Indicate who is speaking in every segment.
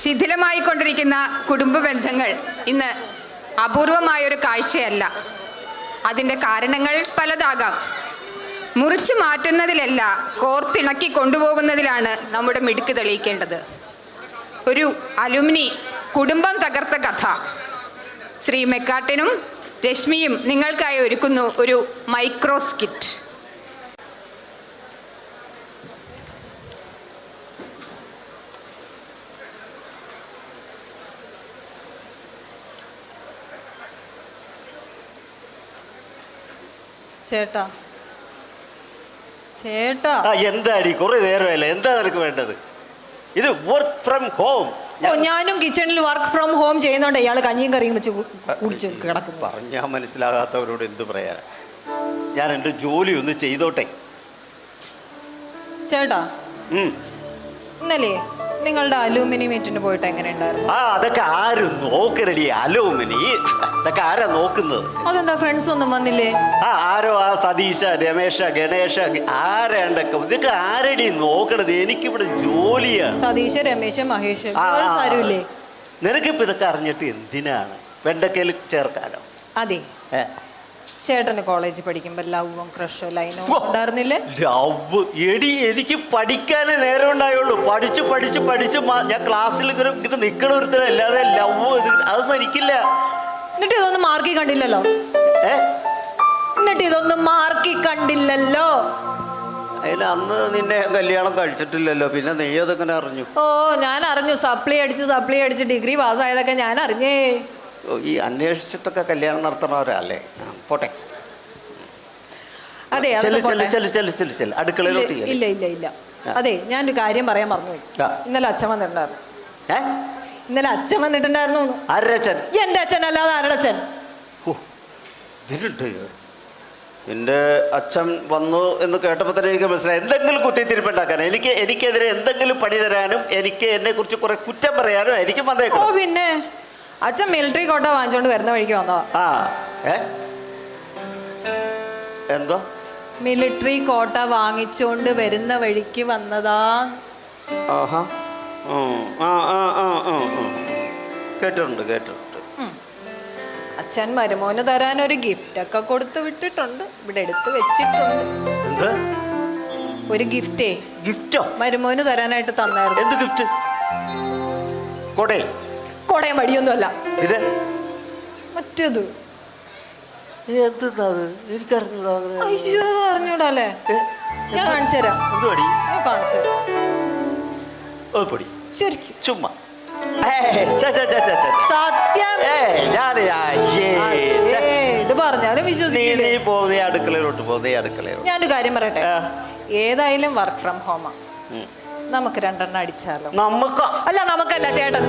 Speaker 1: ശിഥിലമായിക്കൊണ്ടിരിക്കുന്ന കുടുംബ ബന്ധങ്ങൾ ഇന്ന് അപൂർവമായൊരു കാഴ്ചയല്ല. അതിൻ്റെ കാരണങ്ങൾ പലതാകാം. മുറിച്ചു മാറ്റുന്നതിലല്ല, കോർത്തിണക്കി കൊണ്ടുപോകുന്നതിലാണ് നമ്മുടെ മിടുക്ക് തെളിയിക്കേണ്ടത്. ഒരു അലുമിനി കുടുംബം തകർത്ത കഥ. ശ്രീ മെക്കാട്ടിനും രശ്മിയും നിങ്ങൾക്കായി ഒരുക്കുന്നു ഒരു മൈക്രോ സ്കിറ്റ്.
Speaker 2: ചേട്ടാ ചേട്ടാ
Speaker 3: എന്താടി കുറെ നേരമല്ലേ, എന്താ നിനക്ക് വേണ്ടത്? ഇത് വർക്ക് ഫ്രം ഹോം.
Speaker 2: ഞാനും കിച്ചണിൽ വർക്ക് ഫ്രം ഹോം ചെയ്യുന്നോണ്ട് ഇയാള് കഞ്ഞിയും കറിയും വെച്ച് കുടിച്ച് കിടക്കും.
Speaker 3: പറഞ്ഞാൽ മനസ്സിലാകാത്തവരോട് എന്ത് പറയാനാ? ഞാൻ എൻ്റെ ജോലി ഒന്ന് ചെയ്തോട്ടെ.
Speaker 2: ചേട്ടാ ഇന്നലെ നിങ്ങളുടെ അലൂമിനി മീറ്റിന് പോയിട്ട് എങ്ങനെ ഉണ്ടായിരുന്നു?
Speaker 3: അതൊക്കെ ആരും നോക്കരടി, അലൂമിനി ഇതൊക്കെ ആരാ നോക്കുന്നത്?
Speaker 2: അതെന്താ ഫ്രണ്ട്സ് ഒന്നും വന്നില്ലേ?
Speaker 3: ആരോ ആ സതീഷ, രമേശ, ഗണേശ ആരാണ്ടൊക്കെ ഇതൊക്കെ ആരടി നോക്കണത്? എനിക്കിവിടെ ജോലിയാ.
Speaker 2: സതീഷ്, രമേശ്, മഹേഷ് ആരുമില്ലേ?
Speaker 3: നിനക്കിപ്പോ ഇതൊക്കെ അറിഞ്ഞിട്ട് എന്തിനാണ്? വെണ്ടക്കയിൽ ചേർക്കാനോ?
Speaker 2: അതെ, ചേട്ടന് കോളേജിൽ പഠിക്കുമ്പോ ലവും ക്രഷോ ലൈനോ ഉണ്ടായിരുന്നില്ലേ?
Speaker 3: ലവ് എടി, എനിക്ക് പഠിക്കാനേ നേരം ഉണ്ടായുള്ളൂ. പഠിച്ച് പഠിച്ച് പഠിച്ച് ഞാൻ ക്ലാസ്സിൽ ഇത് നിക്കണൊരുത്തരം, അല്ലാതെ ലവ് അതൊന്നും എനിക്കില്ല.
Speaker 2: എന്നിട്ട് ഇതൊന്നും മാർക്കി കണ്ടില്ലല്ലോ.
Speaker 3: അതിന് അന്ന് നിന്നെ കല്യാണം കഴിച്ചിട്ടില്ലല്ലോ, പിന്നെ നീ അതെങ്ങനെ അറിഞ്ഞു?
Speaker 2: ഓ, ഞാൻ അറിഞ്ഞു. സപ്ലി അടിച്ച് ഡിഗ്രി പാസ്സായതൊക്കെ ഞാൻ അറിഞ്ഞേ.
Speaker 3: ഈ അന്വേഷിച്ചിട്ടൊക്കെ കല്യാണം നടത്തണവരല്ലേ? പോട്ടെ.
Speaker 2: അതെ,
Speaker 3: അടുക്കളയിലോട്ട്.
Speaker 2: ഇല്ല ഇല്ല ഇല്ല. അതെ, ഞാനൊരു കാര്യം പറയാൻ മറന്നുപോയി. ഇന്നലെ അച്ഛൻ വന്നിട്ടുണ്ടായിരുന്നു. ഇന്നലെ അച്ഛൻ വന്നിട്ടുണ്ടായിരുന്നു. എന്റെ അച്ഛൻ അല്ലാതെ ആരുടെ അച്ഛൻ?
Speaker 3: എൻ്റെ അച്ഛൻ വന്നു എന്ന് കേട്ടപ്പോൾ തന്നെ എനിക്ക് മനസ്സിലായി എന്തെങ്കിലും കുത്തിത്തിരിപ്പുണ്ടാക്കാനും എനിക്കെതിരെ എന്തെങ്കിലും പണി തരാനും എനിക്ക് എന്നെ കുറിച്ച് കുറെ കുറ്റം പറയാനും എനിക്ക് വന്നേക്കും.
Speaker 2: ഓ പിന്നെ, അച്ഛൻ മിലിറ്ററി കോട്ട വാങ്ങിച്ചോണ്ട് വരുന്ന വഴിക്ക് വന്നതാ.
Speaker 3: എന്തോ
Speaker 2: മിലിറ്ററി കോട്ട വാങ്ങിച്ചോണ്ട് വരുന്ന വഴിക്ക് വന്നതാ.
Speaker 3: കേട്ടിട്ടുണ്ട്.
Speaker 2: അച്ഛൻ മരുമോന് തരാൻ ഒരു ഗിഫ്റ്റ് ഒക്കെ കൊടുത്തു വിട്ടിട്ടുണ്ട്. ഇവിടെ എടുത്ത് വെച്ചിട്ടുണ്ട്. ഒരു ഗിഫ്റ്റോ മരുമോന് തരാനായിട്ട് തന്നായിരുന്നു.
Speaker 3: എന്ത് ഗിഫ്റ്റ്?
Speaker 2: കൊടയും വടിയൊന്നും അല്ല, മറ്റേത്. അറിഞ്ഞൂടല്ലേ? ഞാൻ കാണിച്ചു തരാം. ശരിക്കും
Speaker 3: ചുമ്മാ
Speaker 2: സത്യം ഇത് പറഞ്ഞാലും വിശ്വസിക്കില്ല.
Speaker 3: അടുക്കളയിലോട്ട്
Speaker 2: ഞാനൊരു കാര്യം പറയട്ടെ, ഏതായാലും വർക്ക് ഫ്രം ഹോമാ. നമുക്ക് 2 എണ്ണം അടിച്ചാലോ? നമുക്കല്ല ചേട്ടൻ.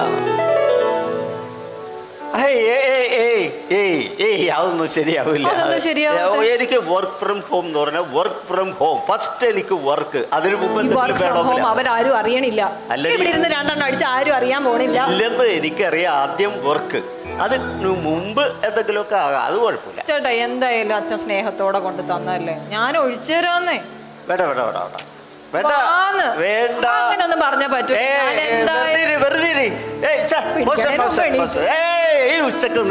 Speaker 3: അതൊന്നും ശരിയാവില്ല. എനിക്ക് വർക്ക് ഫ്രം ഹോം എന്ന് പറഞ്ഞാൽ വർക്ക് ഫ്രം ഹോം ഫസ്റ്റ്. എനിക്ക് വർക്ക്, അതിന് മുമ്പ്
Speaker 2: അവരാരും അറിയണില്ല. ഇവിടെ ഇരുന്ന് 2 എണ്ണം അടിച്ച് ആരും അറിയാൻ പോണില്ല.
Speaker 3: ഇല്ലെന്ന് എനിക്കറിയാം. ആദ്യം വർക്ക്, അതിന് മുമ്പ് എന്തെങ്കിലുമൊക്കെ ആകാം, അത് കുഴപ്പമില്ല.
Speaker 2: ചേട്ടാ, എന്തായാലും അച്ഛൻ സ്നേഹത്തോടെ കൊണ്ട് തന്നല്ലേ, ഞാൻ ഒഴിച്ചു തരാന്നേ. അങ്ങനൊന്നും പറഞ്ഞാ പറ്റൂ.
Speaker 3: ഉച്ചക്ക്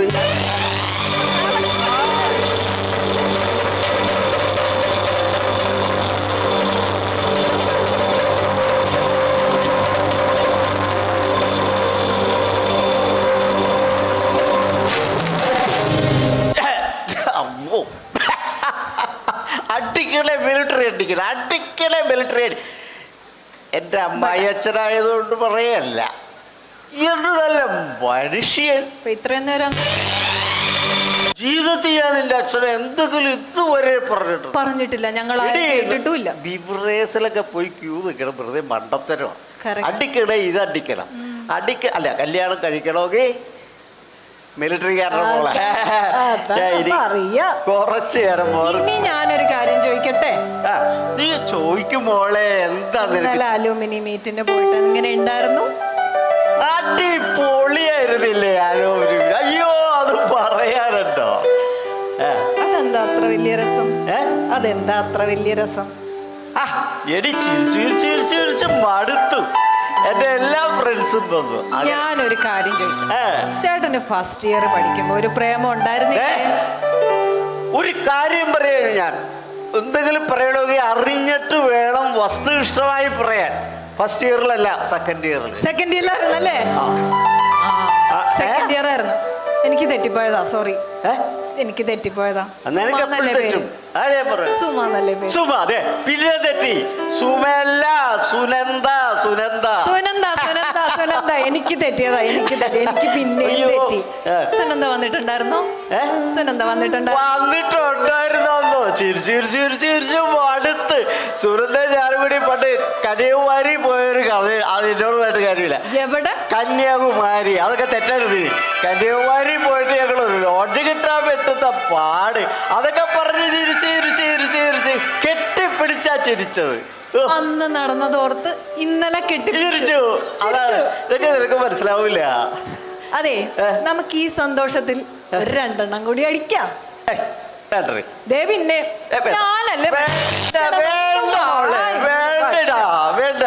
Speaker 3: അടിക്കണേ മിലിറ്ററി. എൻ്റെ അമ്മായി അച്ഛനായതുകൊണ്ട് പറയല്ല, എന്ത് നല്ല മനുഷ്യൻ.
Speaker 2: ഇത്രയും നേരം
Speaker 3: ജീവിതത്തിൽ ഞാൻ നിന്റെ അച്ഛനെ എന്തെങ്കിലും ഇതുവരെ
Speaker 2: പറഞ്ഞിട്ടില്ല. ഞങ്ങൾ
Speaker 3: ബിവറേസിലൊക്കെ പോയി ക്യൂ നിൽക്കണം, വെറുതെ മണ്ടത്തരമാണ്. അടിക്കണേ, ഇത് അടിക്കണം. അല്ല, കല്യാണം കഴിക്കണമെങ്കിൽ മിലിറ്ററിക്കാരുടെ പോലെ കുറച്ചു നേരം.
Speaker 2: ഞാനൊരു കാര്യം ചോദിക്കട്ടെ?
Speaker 3: നീ ചോദിക്കും മോളെ. എന്താ
Speaker 2: അലൂമിനി മീറ്റിന് പോയിട്ട് ഇങ്ങനെ ഉണ്ടായിരുന്നു?
Speaker 3: അടിപൊളിയായിരുന്നില്ലേ അലൂമിനി? അയ്യോ, അത് പറയാനുണ്ടോ?
Speaker 2: അതെന്താ അത്ര വലിയ രസം?
Speaker 3: എടി ചിരിച്ച് മടുത്തു. എൻ്റെ എല്ലാ ഫ്രണ്ട്സും മനസ്സും വന്നു.
Speaker 2: ഞാനൊരു കാര്യം ചോദിക്കാം. ചേട്ടന് ഫസ്റ്റ് ഇയർ പഠിക്കുമ്പോ ഒരു പ്രേമം ഉണ്ടായിരുന്നില്ലേ?
Speaker 3: ഒരു കാര്യം പറയാ, ഞാൻ എന്തെങ്കിലും പറയണമെങ്കിൽ അറിഞ്ഞിട്ട് വേണം വസ്തുനിഷ്ഠമായി പറയാൻ. ഫസ്റ്റ് ഇയറിലല്ല, സെക്കൻഡ് ഇയറിൽ.
Speaker 2: സെക്കൻഡ് ഇയറിലായിരുന്നല്ലേ? സെക്കൻഡ് ഇയർ ആയിരുന്നു. എനിക്ക് തെറ്റിപ്പോയതാ, സോറി. എനിക്ക് തെറ്റിപ്പോയതാ. സുമ എന്നല്ലേ പേര്?
Speaker 3: സുമ, അതെ. പിന്നെ തെറ്റി. സുമല്ല, സുനന്ദ. സുനന്ദ
Speaker 2: സുനന്ദ സുനന്ദ സുനന്ദ എനിക്ക് തെറ്റിയതാ, എനിക്ക് പിന്നെയും തെറ്റി. സുനന്ദ വന്നിട്ടുണ്ടായിരുന്നോ? സുനന്ദ
Speaker 3: വന്നിട്ടുണ്ടായിരുന്നോ? ചിരിച്ചു അടുത്ത് സുനന്ദ ഞാനും കൂടി പണ്ട് കന്യാകുമാരി പോയൊരു കഥ. അത് എന്നോട് പോയിട്ട് കാര്യമില്ല.
Speaker 2: എവിടെ?
Speaker 3: കന്യാകുമാരി. അതൊക്കെ തെറ്റരുത്. കന്യാകുമാരി പോയിട്ട് ഞങ്ങൾ ഒരു ലോഡ്ജ് കിട്ടാൻ പറ്റുന്ന പാട്. അതൊക്കെ പറഞ്ഞ് ചിരിച്ച് കെട്ടിപ്പിടിച്ചാ ചിരിച്ചത്.
Speaker 2: അന്ന് നടന്നതോർത്ത് ഇന്നലെ
Speaker 3: ചിരിച്ചു. അതാണ്, ഇതൊക്കെ നിനക്ക് മനസ്സിലാവൂല.
Speaker 2: അതെ, നമുക്ക് ഈ സന്തോഷത്തിൽ ഒരു 2 എണ്ണം കൂടി അടിക്കാം. പിന്നെ ഞാനല്ലേ
Speaker 3: വേണ്ട.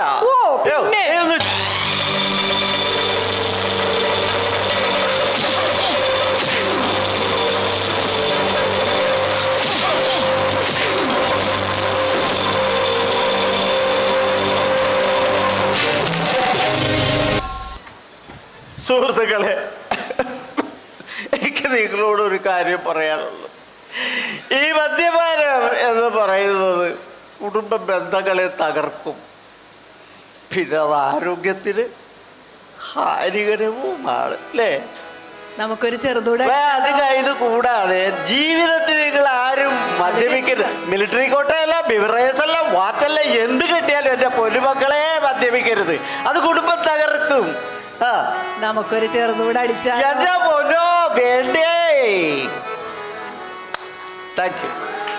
Speaker 3: സുഹൃത്തുക്കളെ, എനിക്ക് നിങ്ങളോട് ഒരു കാര്യം പറയാനുള്ളൂ. ഈ മദ്യപാനം എന്ന് പറയുന്നത് കുടുംബ ബന്ധങ്ങളെ തകർക്കും. പിന്നെ അത് ആരോഗ്യത്തിന് ഹാനികരവുമാണ്, അല്ലേ?
Speaker 2: നമുക്കൊരു ചെറുതൂടെ
Speaker 3: ഇത് കൂടാതെ ജീവിതത്തിൽ നിങ്ങൾ ആരും മദ്യപിക്കരുത്. മിലിറ്ററി കോട്ടയല്ല, ബിവറേജ് അല്ല, വാറ്റല്ല, എന്ത് കിട്ടിയാലും എന്റെ പൊന്നുമക്കളെ മദ്യപിക്കരുത്. അത് കുടുംബം തകർക്കും.
Speaker 2: നമുക്കൊരു ചെറുതൂടെ അടിച്ചാൽ
Speaker 3: എന്റെ പൊന്നോ വേണ്ടേ. Thank you.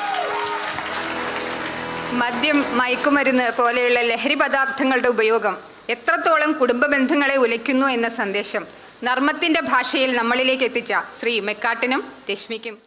Speaker 1: മദ്യം, മയക്കുമരുന്ന് പോലെയുള്ള ലഹരി പദാർത്ഥങ്ങളുടെ ഉപയോഗം എത്രത്തോളം കുടുംബ ബന്ധങ്ങളെ ഉലയ്ക്കുന്നു എന്ന സന്ദേശം നർമ്മത്തിന്റെ ഭാഷയിൽ നമ്മളിലേക്ക് എത്തിച്ച ശ്രീ മെക്കാട്ടിനും രശ്മിക്കും